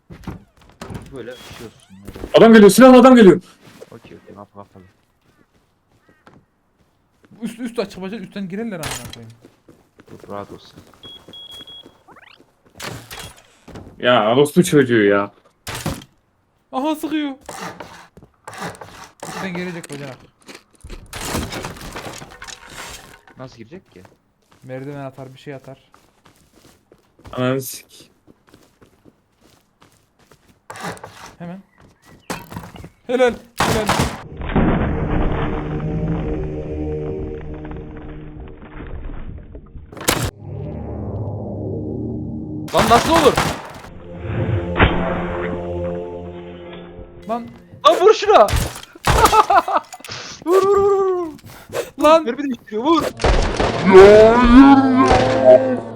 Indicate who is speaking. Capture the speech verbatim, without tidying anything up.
Speaker 1: Böyle düşüyorsun. Böyle.
Speaker 2: Adam geliyor, silahlı adam geliyor.
Speaker 1: Okey okey kapı kapalı.
Speaker 3: Üst üst açık bacak üstten girerler amına koyayım.
Speaker 1: Dur rahat olsun.
Speaker 2: Ya orospu çocuğu ya.
Speaker 3: Aha sıkıyor. Üstten gelecek bacak.
Speaker 1: Nasıl girecek ki?
Speaker 3: Merdiven atar bir şey atar.
Speaker 2: Ananı sik.
Speaker 3: Hemen. Helal. Helal.
Speaker 1: Lan nasıl olur?
Speaker 3: Lan.
Speaker 1: Lan vur şuna. Vur vur vur vur.
Speaker 3: Lan.
Speaker 1: Mermi değiştiriyor vur.
Speaker 2: Hayır ya.